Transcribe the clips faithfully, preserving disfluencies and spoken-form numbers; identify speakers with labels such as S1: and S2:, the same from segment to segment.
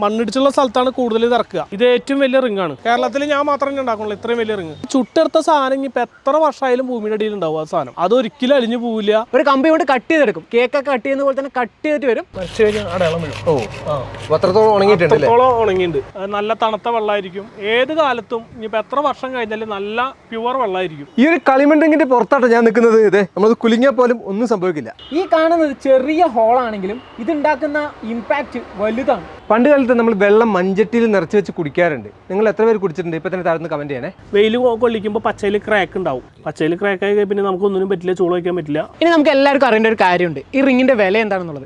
S1: മണ്ണിടിച്ചുള്ള സ്ഥലത്താണ് കൂടുതൽ ഇത് ഇറക്കുക. ഇത് ഏറ്റവും വലിയ റിംഗ് ആണ്. കേരളത്തിൽ ഞാൻ മാത്രമേ ഉണ്ടാക്കുള്ളൂ ഇത്രയും വലിയ റിംഗ്. ചുട്ടെടുത്ത സാധനം ഇപ്പൊ എത്ര വർഷമായാലും ഭൂമിയുടെ അടിയിൽ ഉണ്ടാവും. ആ സാധനം അത് ഒരിക്കലും അലിഞ്ഞു പോവില്ല.
S2: ഒരു കമ്പി കൊണ്ട് കട്ട് ചെയ്തെടുക്കും. കേക്കൊക്കെ കട്ട് ചെയ്യുന്ന പോലെ തന്നെ കട്ട് ചെയ്തിട്ട് വരും.
S1: മരിച്ചു കഴിഞ്ഞാൽ അടയാളം വീഴും.
S3: ഓ അത്രത്തോളം ഉണങ്ങിയിട്ടുണ്ട്.
S1: അത്രത്തോളം ഉണങ്ങിയിട്ടുണ്ട്. നല്ല തണുത്ത വെള്ളമായിരിക്കും. ഏത് കാലത്തും ഇനിയിപ്പോ എത്ര വർഷം കഴിഞ്ഞാലും നല്ല പ്യുവർ വെള്ളമായിരിക്കും.
S3: ഈ ഒരു കളിമൺ റിങ്ങിന്റെ പുറത്താട്ടോ ഞാൻ നിൽക്കുന്നത്. ഇതേ നമ്മളത് കുലുങ്ങിയാൽ പോലും ഒന്നും സംഭവിക്കില്ല.
S2: ഈ കാണുന്നത് ചെറിയ ഹോളാണെങ്കിലും ഇതുണ്ടാക്കുന്ന ഇമ്പാക്ട് വലുതാണ്.
S3: പണ്ട് കാലത്ത് നമ്മൾ വെള്ളം മഞ്ചട്ടിയിൽ നിറച്ച് വെച്ച് കുടിക്കാറുണ്ട്. നിങ്ങൾ എത്ര പേര് കുടിച്ചിട്ടുണ്ട്? ഇപ്പൊ തന്നെ താഴ്ന്ന് കമന്റ് ചെയ്യണേ.
S1: വെയിൽ കൊള്ളിക്കുമ്പോൾ പച്ചയിൽ ക്രാക്ക് ഉണ്ടാവും. പച്ചയിൽ ക്രാക്ക് ആയി പിന്നെ നമുക്ക് ഒന്നിനും പറ്റില്ല, ചൂട് വയ്ക്കാൻ പറ്റില്ല.
S2: ഇനി നമുക്ക് എല്ലാവർക്കും അറിയേണ്ട ഒരു കാര്യമുണ്ട്, ഈ റിങ്ങിന്റെ വില എന്താണെന്നുള്ളത്.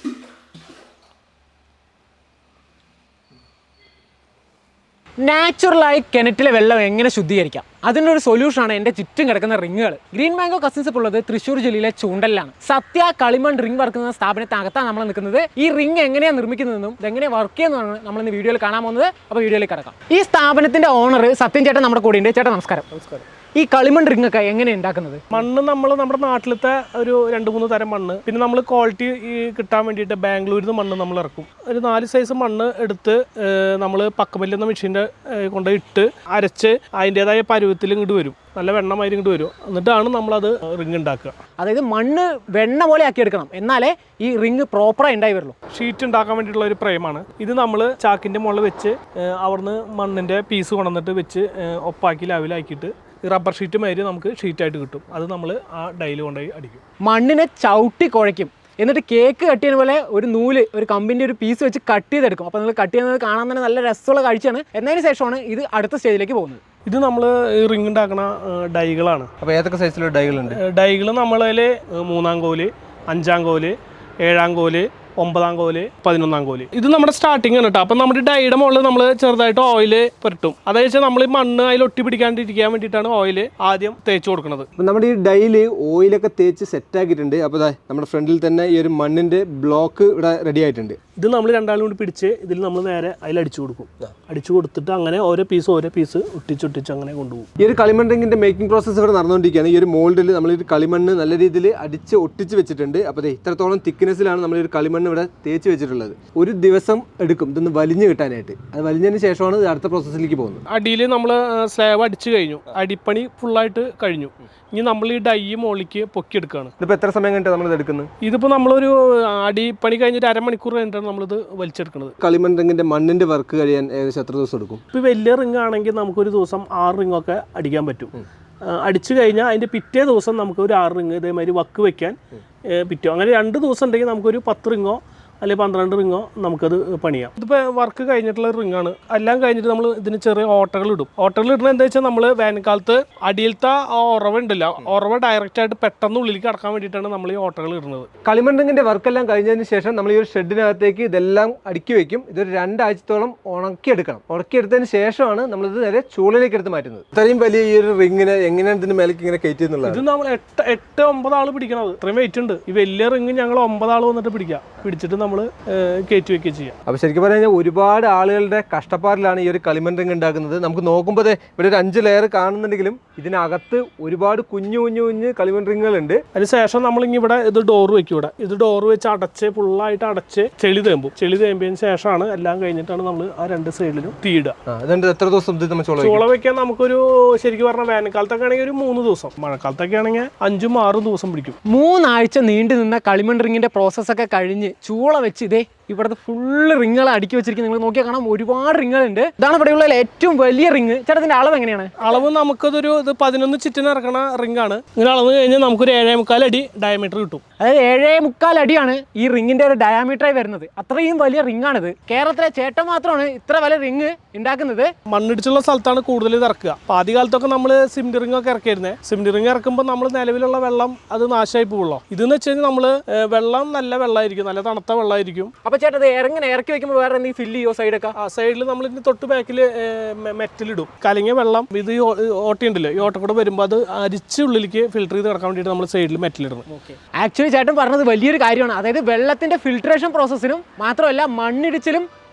S2: നാച്ചുറലായി കിണറ്റിലെ വെള്ളം എങ്ങനെ ശുദ്ധീകരിക്കാം, അതിൻ്റെ ഒരു സൊല്യൂഷനാണ് എൻ്റെ ചുറ്റും കിടക്കുന്ന റിങ്ങുകൾ. ഗ്രീൻ മാംഗോ കസിൻസ് ഇപ്പോൾ ഉള്ളത് തൃശ്ശൂർ ജില്ലയിലെ ചൂണ്ടലിലാണ്. സത്യ കളിമൺ റിംഗ് വർക്ക് എന്ന സ്ഥാപനത്തിനകത്താണ് നമ്മൾ നിൽക്കുന്നത്. ഈ റിംഗ് എങ്ങനെയാണ് നിർമ്മിക്കുന്നതെന്നും ഇതെങ്ങനെ വർക്ക് ചെയ്യുന്നതാണ് നമ്മൾ ഇന്ന് വീഡിയോയിൽ കാണാൻ പോകുന്നത്. അപ്പോൾ വീഡിയോയിലേക്ക് കിടക്കാം. ഈ സ്ഥാപനത്തിന്റെ ഓണർ സത്യൻ ചേട്ടൻ നമ്മുടെ കൂടെ ഉണ്ട്. ചേട്ടാ നമസ്കാരം.
S1: നമസ്കാരം.
S2: ഈ കളിമൺ റിംഗ് ഒക്കെ എങ്ങനെയാണ് ഉണ്ടാക്കുന്നത്?
S1: മണ്ണ് നമ്മൾ നമ്മുടെ നാട്ടിലത്തെ ഒരു രണ്ട് മൂന്ന് തരം മണ്ണ്, പിന്നെ നമ്മൾ ക്വാളിറ്റി കിട്ടാൻ വേണ്ടിയിട്ട് ബാംഗ്ലൂരിൽ നിന്ന് മണ്ണ് നമ്മൾ ഇറക്കും. ഒരു നാല് സൈസ് മണ്ണ് എടുത്ത് നമ്മൾ പക്കമല്ലെന്ന മെഷീൻ്റെ കൊണ്ട് ഇട്ട് അരച്ച് അതിൻ്റെതായ പരുവത്തിൽ ഇങ്ങോട്ട് വരും. നല്ല വെണ്ണമാതിരി ഇങ്ങോട്ട് വരും. എന്നിട്ടാണ് നമ്മളത് റിംഗ് ഉണ്ടാക്കുക.
S2: അതായത് മണ്ണ് വെണ്ണ പോലെ ആക്കി എടുക്കണം, എന്നാലേ ഈ റിംഗ് പ്രോപ്പറായി ഉണ്ടായി വരുള്ളൂ.
S1: ഷീറ്റ് ഉണ്ടാക്കാൻ വേണ്ടിയിട്ടുള്ള ഒരു ഫ്രെയിമാണ് ഇത്. നമ്മൾ ചാക്കിൻ്റെ മുകളിൽ വെച്ച് അവിടുന്ന് മണ്ണിൻ്റെ പീസ് കൊണ്ടുവന്നിട്ട് വെച്ച് ഒപ്പാക്കി ലെവലാക്കിയിട്ട് റബ്ബർ ഷീറ്റ് മാതിരി നമുക്ക് ഷീറ്റായിട്ട് കിട്ടും. അത് നമ്മൾ ആ ഡൈയിൽ കൊണ്ടുപോയി അടിക്കും.
S2: മണ്ണിനെ ചവിട്ടി കുഴയ്ക്കും. എന്നിട്ട് കേക്ക് കട്ട് ചെയ്യുന്ന പോലെ ഒരു നൂല്, ഒരു കമ്പിൻ്റെ ഒരു പീസ് വെച്ച് കട്ട് ചെയ്തെടുക്കും. അപ്പോൾ നിങ്ങൾ കട്ട് ചെയ്യുന്നത് കാണാൻ തന്നെ നല്ല രസമുള്ള കാഴ്ചയാണ്. എന്നതിന് ശേഷമാണ് ഇത് അടുത്ത സ്റ്റേജിലേക്ക് പോകുന്നത്.
S1: ഇത് നമ്മൾ റിംഗ് ഉണ്ടാക്കുന്ന ഡൈകളാണ്.
S3: അപ്പോൾ ഏതൊക്കെ സൈസിലുള്ള ഡൈകളുണ്ട്?
S1: ഡൈകൾ നമ്മളതിൽ മൂന്നാം കോല്, അഞ്ചാം കോല്, ഏഴാം കോല്, ഒമ്പതാം കോല്, പതിനൊന്നാം കോല്. ഇത് നമ്മുടെ സ്റ്റാർട്ടിംഗ് ആണ് കേട്ടോ. അപ്പം നമ്മുടെ ഡൈയുടെ മുകളിൽ നമ്മൾ ചെറുതായിട്ട് ഓയിൽ പുരട്ടും. അതായത് വെച്ചാൽ നമ്മൾ ഈ മണ്ണ് അതിൽ ഒട്ടി പിടിക്കാണ്ടിരിക്കാൻ വേണ്ടിയിട്ടാണ് ഓയിൽ ആദ്യം തേച്ച് കൊടുക്കുന്നത്.
S3: അപ്പം നമ്മുടെ ഈ ഡൈയിൽ ഓയിലൊക്കെ തേച്ച് സെറ്റ് ആക്കിയിട്ടുണ്ട്. അപ്പോൾ നമ്മുടെ ഫ്രണ്ടിൽ തന്നെ ഈ ഒരു മണ്ണിന്റെ ബ്ലോക്ക് ഇവിടെ റെഡി ആയിട്ടുണ്ട്.
S1: ഇത് നമ്മൾ രണ്ടാളും കൂടി പിടിച്ച് ഇതിൽ നമ്മൾ നേരെ അതിൽ അടിച്ചു കൊടുക്കും. അടിച്ചു കൊടുത്തിട്ട് അങ്ങനെ ഓരോ പീസ് ഓരോ പീസ് ഒട്ടിച്ചൊട്ടിച്ച് അങ്ങനെ കൊണ്ടുപോകും.
S3: ഈ ഒരു കളിമൺ റിങ്ങിന്റെ മേക്കിംഗ് പ്രോസസ്സ് ഇവിടെ നടന്നുകൊണ്ടിരിക്കുകയാണ്. ഈ ഒരു മോൾഡിൽ നമ്മൾ ഈ കളിമണ്ണ് നല്ല രീതിയിൽ അടിച്ച് ഒട്ടിച്ച് വെച്ചിട്ടുണ്ട്. അപ്പോൾ ഇത്രത്തോളം തിക്നെസ്സിലാണ് നമ്മൾ ഈ ഒരു കളിമണ്ണ് ഇവിടെ തേച്ച് വെച്ചിട്ടുള്ളത്. ഒരു ദിവസം എടുക്കും ഇതൊന്ന് വലിഞ്ഞു കിട്ടാനായിട്ട്. അത് വലിഞ്ഞതിന് ശേഷമാണ് ഇത് അടുത്ത പ്രോസസ്സിലേക്ക് പോകുന്നത്.
S1: അടിയിൽ നമ്മൾ സ്ലാബ് അടിച്ചു കഴിഞ്ഞു, അടിപ്പണി ഫുള്ളായിട്ട് കഴിഞ്ഞു. ഇനി നമ്മൾ ഈ ഡൈ മുകളിലേക്ക് പൊക്കിയെടുക്കുകയാണ്.
S3: ഇതിപ്പോൾ എത്ര സമയം കഴിഞ്ഞിട്ട് നമ്മൾ ഇത് എടുക്കുന്നത്?
S1: ഇതിപ്പോൾ നമ്മളൊരു അടിപ്പണി കഴിഞ്ഞിട്ട് അരമണിക്കൂർ കഴിഞ്ഞിട്ടാണ് നമ്മളിത് വലിച്ചെടുക്കുന്നത്.
S3: കളിമൺ റിങ്ങിന്റെ മണ്ണിന്റെ വർക്ക് കഴിയാൻ ഏകദേശം എത്ര ദിവസം എടുക്കും?
S1: ഇപ്പോൾ വലിയ റിംഗ് ആണെങ്കിൽ നമുക്കൊരു ദിവസം ആറ് റിങ്ങൊക്കെ അടിക്കാൻ പറ്റും. അടിച്ചു കഴിഞ്ഞാൽ അതിൻ്റെ പിറ്റേ ദിവസം നമുക്ക് ഒരു ആറ് റിങ് ഇതേമാതിരി വക്ക് വയ്ക്കാൻ പറ്റും. അങ്ങനെ രണ്ട് ദിവസം ഉണ്ടെങ്കിൽ നമുക്കൊരു പത്ത് റിങ്ങോ അല്ലെങ്കിൽ പന്ത്രണ്ട് റിങ്ങോ നമുക്കത് പണിയാം. ഇതിപ്പോൾ വർക്ക് കഴിഞ്ഞിട്ടുള്ള റിങ്ങാണ്. എല്ലാം കഴിഞ്ഞിട്ട് നമ്മൾ ഇതിന് ചെറിയ ഓട്ടകൾ ഇടും. ഓട്ടകൾ ഇടുന്നത് എന്താ വെച്ചാൽ നമ്മൾ വേനൽക്കാലത്ത് അടിയിലത്തെ ആ ഉറവ ഉണ്ടല്ലോ, ഉറവ ഡയറക്റ്റ് ആയിട്ട് പെട്ടെന്ന് ഉള്ളിലേക്ക് കടക്കാൻ വേണ്ടിയിട്ടാണ് നമ്മൾ ഈ ഓട്ടകൾ ഇടുന്നത്.
S3: കളിമൺ റിങ്ങിന്റെ വർക്കെല്ലാം കഴിഞ്ഞതിന് ശേഷം നമ്മൾ ഈ ഒരു ഷെഡിനകത്തേക്ക് ഇതെല്ലാം അടുക്കി വെക്കും. ഇതൊരു രണ്ടാഴ്ചത്തോളം ഉണക്കിയെടുക്കണം. ഉണക്കിയെടുത്തതിന് ശേഷമാണ് നമ്മളിത് നേരെ ചൂളിലേക്ക് എടുത്ത് മാറ്റുന്നത്. ഇത്രയും വലിയ ഈ ഒരു റിങ്ങിന് എങ്ങനെയാണ് ഇതിന്റെ മേലേക്ക് ഇങ്ങനെ കയറ്റി എന്നുള്ളത്?
S1: ഇത് നമ്മൾ എട്ട് എട്ട് ഒമ്പത് ആൾ പിടിക്കണത്. ഇത്രയും വെയിറ്റ് ഉണ്ട്. ഈ വലിയ റിങ് ഞങ്ങൾ ഒമ്പത് ആൾ വന്നിട്ട് പിടിക്കാം. പിടിച്ചിട്ട് നമ്മൾ കയറ്റി വെക്കുകയും ചെയ്യാം.
S3: അപ്പോൾ ശരിക്കും പറഞ്ഞു കഴിഞ്ഞാൽ ഒരുപാട് ആളുകളുടെ കഷ്ടപ്പാടിലാണ് ഈ ഒരു കളിമൺ റിങ് ഉണ്ടാക്കുന്നത്. നമുക്ക് നോക്കുമ്പോൾ ഇവിടെ ഒരു അഞ്ച് ലെയർ കാണുന്നുണ്ടെങ്കിലും ഇതിനകത്ത് ഒരുപാട് കുഞ്ഞു കുഞ്ഞു കുഞ്ഞ് കളിമൺ റിങ്ങുകളുണ്ട്.
S1: അതിനുശേഷം നമ്മളിങ്ങനെ ഇവിടെ ഇത് ഡോർ വെക്കും. ഇവിടെ ഇത് ഡോർ വെച്ച് അടച്ച് ഫുള്ളായിട്ട് അടച്ച് ചെളി തേമ്പും. ചെളി തേമ്പിയതിന് ശേഷമാണ് എല്ലാം കഴിഞ്ഞിട്ടാണ് നമ്മൾ ആ രണ്ട് സൈഡിലും തീയിടുക.
S3: അതുകൊണ്ട് എത്ര ദിവസം
S1: ചോള വെക്കാൻ നമുക്കൊരു ശരിക്കും പറഞ്ഞാൽ വേനൽക്കാലത്തൊക്കെ ആണെങ്കിൽ ഒരു മൂന്ന് ദിവസം, മഴക്കാലത്തൊക്കെ ആണെങ്കിൽ അഞ്ചും ആറും ദിവസം പിടിക്കും.
S2: മൂന്നാഴ്ച നീണ്ടു നിന്ന കളിമൺ റിങ്ങിന്റെ പ്രോസസ്സൊക്കെ കഴിഞ്ഞ് ചൂള വെച്ച് ഇതേ ഇവിടുത്തെ ഫുള്ള് റിങ്ങുകൾ അടുക്കി വെച്ചിരിക്കുന്നത് നിങ്ങൾ നോക്കിയാൽ കാണാം. ഒരുപാട് റിങ്ങുകളുണ്ട്. ഇതാണ് ഇവിടെയുള്ള ഏറ്റവും വലിയ റിങ്. ചേട്ടത്തിന്റെ അളവ് എങ്ങനെയാണ്?
S1: അളവ് നമുക്കതൊരു ഇത് പതിനൊന്ന് ചുറ്റിന് ഇറക്കണ റിംഗ് ആണ്. ഇങ്ങനെ അളവ് കഴിഞ്ഞാൽ നമുക്കൊരു ഏഴേ മുക്കാൽ അടി ഡയമീറ്റർ കിട്ടും.
S2: അതായത് ഏഴേ മുക്കാൽ അടിയാണ് ഈ റിങ്ങിന്റെ ഒരു ഡയാമീറ്ററായി വരുന്നത്. അത്രയും വലിയ റിംഗ് ആണിത്. കേരളത്തിലെ ചേട്ടൻ മാത്രമാണ് ഇത്ര വലിയ റിങ് ഉണ്ടാക്കുന്നത്.
S1: മണ്ണിടിച്ചുള്ള സ്ഥലത്താണ് കൂടുതൽ ഇത് ഇറക്കുക. അപ്പോൾ ആദ്യ കാലത്തൊക്കെ നമ്മൾ സിമെന്റ് റിംഗ് ഒക്കെ ഇറക്കിയിരുന്നത്. സിമെന്റ് റിംഗ് ഇറക്കുമ്പോൾ നമ്മൾ നിലവിലുള്ള വെള്ളം അത് നാശമായി പോകുള്ളൂ. ഇതെന്ന് വെച്ച് കഴിഞ്ഞാൽ നമ്മൾ വെള്ളം നല്ല വെള്ളമായിരിക്കും, നല്ല തണുത്ത വെള്ളമായിരിക്കും.
S2: അപ്പോൾ ചേട്ടൻ അത് ഇറങ്ങനെ ഇറക്കി വെക്കുമ്പോൾ വേറെ എന്തെങ്കിലും ഫില്ല് ചെയ്യോ? സൈഡൊക്കെ
S1: ആ സൈഡിൽ നമ്മൾ ഇതിന് തൊട്ട് ബാക്കിൽ മെറ്റലിടും. കലങ്ങിയ വെള്ളം ഇത് ഓട്ടയുണ്ടല്ലോ, ഈ ഓട്ട കൂടെ വരുമ്പോൾ അത് അരിച്ച് ഉള്ളിലേക്ക് ഫിൽറ്റർ ചെയ്ത് കിടക്കാൻ വേണ്ടിയിട്ട് നമ്മൾ സൈഡിൽ മെറ്റലിടണം.
S2: ആക്ച്വലി ചേട്ടൻ പറഞ്ഞത് വലിയൊരു കാര്യമാണ്. അതായത് വെള്ളത്തിന്റെ ഫിൽട്രേഷൻ പ്രോസസ്സിനും മാത്രമല്ല മണ്ണിടിച്ചിലും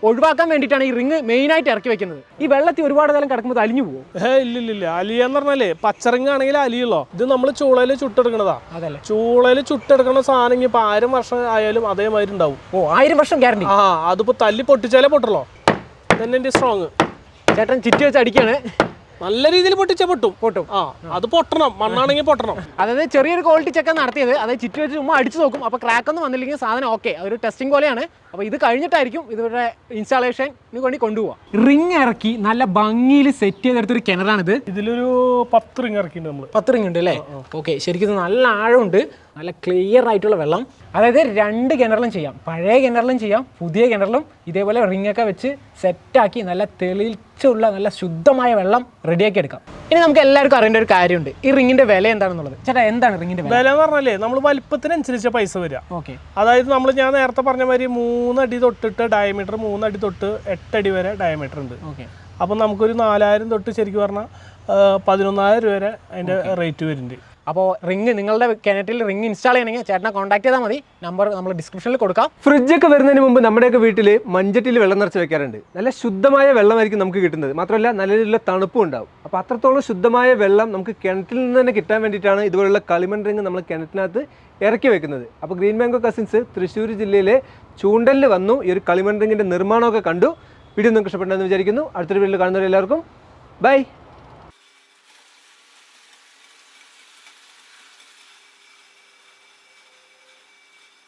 S2: ഒഴിവാക്കാൻ വേണ്ടിയിട്ടാണ് ഈ റിങ് മെയിനായിട്ട് ഇറക്കി വെക്കുന്നത്. ഈ വെള്ളത്തിൽ ഒരുപാട് കാലം കിടക്കുമ്പോൾ അലിഞ്ഞു പോകും.
S1: ഏ ഇല്ല ഇല്ല ഇല്ല അലിയെന്ന് പറഞ്ഞാലേ പച്ചറിങ് ആണെങ്കിൽ അലിയുള്ളോ. ഇത് നമ്മൾ ചൂളയിൽ ചുട്ടെടുക്കണതാ.
S2: അതല്ലേ,
S1: ചൂളയിൽ ചുട്ടെടുക്കണ സാധനം ഇപ്പൊ ആയിരം വർഷം ആയാലും അതേമാതിരി ഉണ്ടാവും.
S2: ഓ ആയിരം വർഷം ഗ്യാരണ്ടി.
S1: ആ അതിപ്പോ തല്ലി പൊട്ടിച്ചാലേ പൊട്ടുള്ളൂ. തന്നെ എൻ്റെ സ്ട്രോങ്.
S2: ചേട്ടൻ ചിറ്റ് വെച്ച് അടിക്കാണ്.
S1: നല്ല രീതിയിൽ പൊട്ടിച്ചാൽ പൊട്ടും.
S2: പൊട്ടും.
S1: ആ അത് പൊട്ടണം, മണ്ണാണെങ്കിൽ പൊട്ടണം.
S2: അതായത് ചെറിയൊരു ക്വാളിറ്റി ചെക്ക് നടത്തിയത്. അതായത് ചിറ്റ് വെച്ച് ചുമ്മാ അടിച്ചു നോക്കും. അപ്പോൾ ക്രാക്ക് ഒന്നും വന്നില്ലെങ്കിൽ സാധനം ഓക്കെ, അതൊരു ടെസ്റ്റിംഗ് പോലെയാണ്. അപ്പോൾ ഇത് കഴിഞ്ഞിട്ടായിരിക്കും ഇതിവിടെ ഇൻസ്റ്റാളേഷന് വേണ്ടി കൊണ്ടുപോകാം. റിങ് ഇറക്കി നല്ല ഭംഗിയിൽ സെറ്റ് ചെയ്തെടുത്തൊരു കിണറാണിത്.
S1: ഇതിലൊരു പത്ത് റിങ് ഇറക്കിയിട്ടുണ്ട് നമ്മൾ.
S2: പത്ത് റിങ് ഉണ്ട് അല്ലേ? ഓക്കെ, ശരിക്കും നല്ല ആഴമുണ്ട്, നല്ല ക്ലിയർ ആയിട്ടുള്ള വെള്ളം. അതായത് രണ്ട് കിണറിലും ചെയ്യാം, പഴയ കിണറിലും ചെയ്യാം, പുതിയ കിണറിലും ഇതേപോലെ റിങ്ങൊക്കെ വെച്ച് സെറ്റാക്കി നല്ല തെളിച്ചുള്ള നല്ല ശുദ്ധമായ വെള്ളം റെഡിയാക്കി എടുക്കാം. ഇനി നമുക്ക് എല്ലാവർക്കും അറിയേണ്ട ഒരു കാര്യമുണ്ട്, ഈ റിങ്ങിന്റെ വില എന്താണെന്നുള്ളത്. ചേട്ടാ എന്താണ് റിങ്ങിന്റെ വില?
S1: വില എന്ന് പറഞ്ഞാലേ നമ്മൾ വലിപ്പത്തിനനുസരിച്ച് പൈസ വരിക.
S2: ഓക്കെ,
S1: അതായത് നമ്മൾ ഞാൻ നേരത്തെ പറഞ്ഞ മാതിരി മൂന്നടി തൊട്ടിട്ട് ഡയമീറ്റർ, മൂന്നടി തൊട്ട് എട്ടടി വരെ ഡയമീറ്റർ ഉണ്ട്.
S2: ഓക്കെ,
S1: അപ്പം നമുക്കൊരു നാലായിരം തൊട്ട് ശരിക്കും പറഞ്ഞാൽ പതിനൊന്നായിരം രൂപ വരെ അതിൻ്റെ റേറ്റ് വരുന്നുണ്ട്.
S2: അപ്പോൾ റിങ് നിങ്ങളുടെ കിണറ്റിൽ റിങ് ഇൻസ്റ്റാൾ ചെയ്യണമെങ്കിൽ ചേട്ടനെ കോൺടാക്ട് ചെയ്താൽ മതി. നമ്പർ നമ്മൾ ഡിസ്ക്രിപ്ഷനിൽ കൊടുക്കാം.
S3: ഫ്രിഡ്ജൊക്കെ വരുന്നതിന് മുമ്പ് നമ്മുടെയൊക്കെ വീട്ടിൽ മഞ്ചട്ടിയിൽ വെള്ളം നിറച്ച് വെക്കാറുണ്ട്. നല്ല ശുദ്ധമായ വെള്ളമായിരിക്കും നമുക്ക് കിട്ടുന്നത്. മാത്രമല്ല നല്ല രീതിയിലുള്ള തണുപ്പും ഉണ്ടാവും. അപ്പോൾ അത്രത്തോളം ശുദ്ധമായ വെള്ളം നമുക്ക് കിണറ്റിൽ നിന്ന് തന്നെ കിട്ടാൻ വേണ്ടിയിട്ടാണ് ഇതുപോലുള്ള കളിമൺ റിങ് നമ്മൾ കിണറ്റിനകത്ത് ഇറക്കി വെക്കുന്നത്. അപ്പോൾ ഗ്രീൻ മാംഗോ കസിൻസ് തൃശ്ശൂർ ജില്ലയിലെ ചൂണ്ടലിൽ വന്നു ഈ ഒരു കളിമൺ റിങ്ങിൻ്റെ നിർമ്മാണമൊക്കെ കണ്ടു. വീഡിയോ നിങ്ങൾക്ക് ഇഷ്ടപ്പെട്ടെന്ന് വിചാരിക്കുന്നു. അടുത്തൊരു വീഡിയോയിൽ കാണുന്നവരെല്ലാവർക്കും ബൈ.